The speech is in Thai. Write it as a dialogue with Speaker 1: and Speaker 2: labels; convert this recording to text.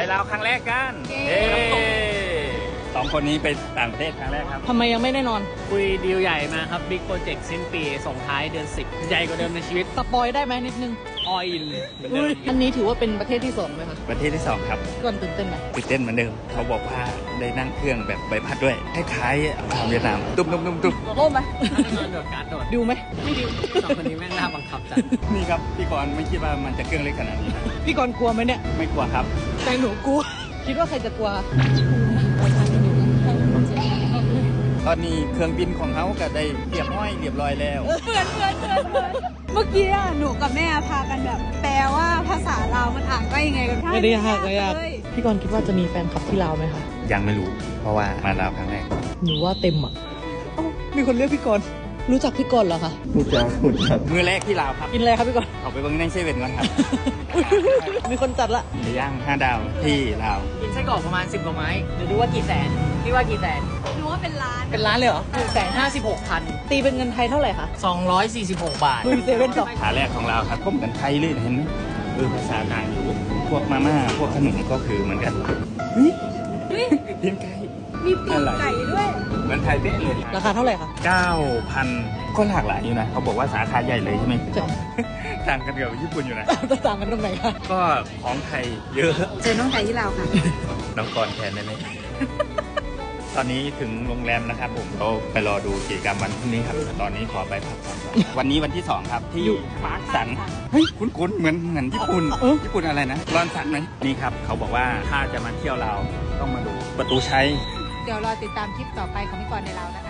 Speaker 1: ลาวครั้งแรกกัน2 คนนี้ไปต่างประเทศครั้งแรกครับ
Speaker 2: ทำไมยังไม่ได้นอน
Speaker 3: คุยดีลใหญ่มาครับบิ๊กโปรเจกต์สิ้นปีส่งท้ายเดือน 10 ใหญ่กว่าเดิมในชีวิต
Speaker 2: สปอยได้ไหมนิดนึง
Speaker 3: ออยล์เหมือนเดิม
Speaker 2: อันนี้ถือว่าเป็นประเทศที่2ไหมคะ
Speaker 1: ประเทศที่ 2 ครับ
Speaker 2: ก่อนตื่นเต้นไหม
Speaker 1: ตื่นเต้นเหมือนเดิมเขาบอกว่าได้นั่งเครื่องแบบใบพัดด้วยคล้ายๆทางเวียดนามตุ้มๆๆ
Speaker 2: โอ้ไหม
Speaker 3: นอนโดดการ์ดโดด
Speaker 2: ดูไหม
Speaker 3: ไม่ดิวสองคนนี้แม่งน่าบังคับจัด
Speaker 1: ๆนี่ครับพี่กรณ์ไม่คิดว่ามันจะเครื่องเล็กขนาดนี้นะ
Speaker 2: พี่กรณ์กลัวไหมเนี่ย
Speaker 1: ไม่กลัวครับ
Speaker 2: แต่หนูกลัว คิดว่าใครจะกลัว
Speaker 1: ตอนนี้เครื่องบินของเขาก็ได้เรียบร้อยแล้ว
Speaker 4: เมื่อกี้อะหนูกับแม่พากันแบบแปลว่าภาษาลาวมันอ่านว่ายังไงกัน
Speaker 2: ไม่ได้ยากเลยอะ
Speaker 4: เลย
Speaker 2: พี่กรณ์คิดว่าจะมีแฟนคลับที่ลาวไหมคะ
Speaker 1: ยังไม่รู้เพราะว่ามาลาวครั้งแรก
Speaker 2: หนูว่าเต็มอ่ะเอ้ามีคนเรียกพี่กรณ์รู้จักพี่กรณ์เหรอคะ
Speaker 1: มือแรกที่ลาวครับ
Speaker 2: กินอะไรครับพี่กรณ์
Speaker 1: เอาไปเบิ้งในเซเว่นก่อนครับ
Speaker 2: มีคนจัดละ
Speaker 1: ไปย่าง5 ดาวที่ลาว
Speaker 3: กินไส้กรอกประมาณ 10 กว่าไม้เดี๋ยวดูว่ากี่แสนพี่ว่ากี่แสน
Speaker 4: หนูว่าเป็นร้าน
Speaker 2: เป็นร้านเลยเหรอ
Speaker 3: 156,000
Speaker 2: ตีเป็นเงินไทยเท่าไหร่คะ
Speaker 3: 246 บาท
Speaker 2: ลุยเซเว่นต่อ
Speaker 1: ขาแรกของเราครับก็เหมือนไทยเลยเห็นไหมภาษากลางอยู่พวกมาม่าพวกขนมก็คือเหมือนกันเพียงไก่
Speaker 4: มีปีกไก่ด้วย
Speaker 1: เหมือนไทยเป๊ะเลย
Speaker 2: ราคาเท่าไหร่คะ
Speaker 1: 9,000 ก็หลากหลายอยู่นะเขาบอกว่าสาขาใหญ่เลยใช่ไหม
Speaker 2: ใช่
Speaker 1: ต่างกันกับญี่ปุ่นอยู่นะ
Speaker 2: จะต่างกันตรงไหนคะ
Speaker 1: ก็ของไทยเยอะ
Speaker 4: เจอน้องไก่ที่ลาวค่ะ
Speaker 1: น้องกรแทนได้ไหม ตอนนี้ถึงโรงแรมนะครับผมเราไปรอดูกิจกรรมวันพรุ่งนี้ครับ ตอนนี้ขอไปพักผ่อนก่อนวันนี้วันที่ 2 ครับที่ปาร์คสันเฮ้ยคุ้นๆเหมือนญี่ปุ่น ญี่ปุ่นอะไรนะรอนสันไหมนี่ครับเขาบอกว่าถ้าจะมาเที่ยวเราวต้องมาดูประตูชัย
Speaker 4: เดี๋ยวรอติดตามคลิปต่อไปของพี่กรณ์ในลาวนะคะ